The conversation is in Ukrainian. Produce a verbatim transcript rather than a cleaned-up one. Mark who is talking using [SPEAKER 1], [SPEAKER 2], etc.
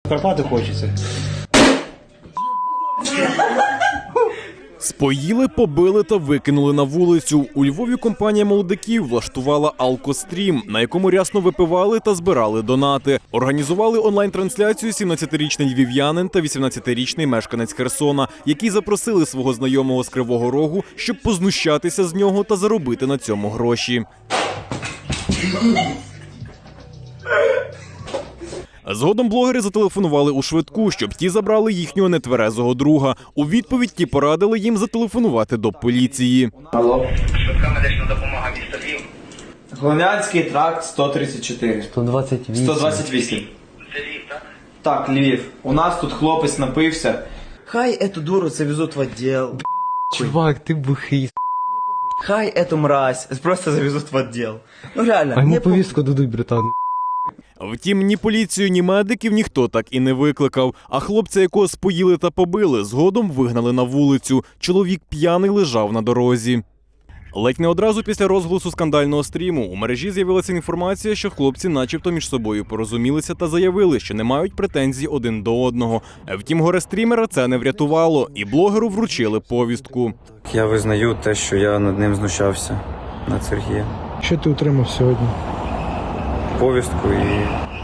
[SPEAKER 1] Карпати хочеться.
[SPEAKER 2] Споїли, побили та викинули на вулицю. У Львові компанія молодиків влаштувала алкострім, на якому рясно випивали та збирали донати. Організували онлайн-трансляцію сімнадцятирічний львів'янин та вісімнадцятирічний мешканець Херсона, які запросили свого знайомого з Кривого Рогу, щоб познущатися з нього та заробити на цьому гроші. Згодом блогери зателефонували у швидку, щоб ті забрали їхнього нетверезого друга. У відповідь ті порадили їм зателефонувати до поліції.
[SPEAKER 1] Алло.
[SPEAKER 3] Швидка медична допомога міста Львів.
[SPEAKER 1] Глинянський тракт сто тридцять чотири.
[SPEAKER 4] сто двадцять вісім.
[SPEAKER 1] сто двадцять вісім.
[SPEAKER 3] Це Львів, так?
[SPEAKER 1] Так, Львів. У нас тут хлопець напився. Хай эту дуру завезут в отдел.
[SPEAKER 4] Чувак, ти бухий.
[SPEAKER 1] Хай эту мразь просто завезут в отдел. Ну реально.
[SPEAKER 4] А йому
[SPEAKER 1] мне
[SPEAKER 4] повістку дадуть, братан.
[SPEAKER 2] Втім, ні поліцію, ні медиків ніхто так і не викликав. А хлопця, якого споїли та побили, згодом вигнали на вулицю. Чоловік п'яний лежав на дорозі. Ледь не одразу після розголосу скандального стріму у мережі з'явилася інформація, що хлопці начебто між собою порозумілися та заявили, що не мають претензій один до одного. Втім, горе-стрімера це не врятувало, і блогеру вручили повістку.
[SPEAKER 5] Я визнаю те, що я над ним знущався, над Сергієм.
[SPEAKER 4] Що ти отримав сьогодні?
[SPEAKER 5] Повістку і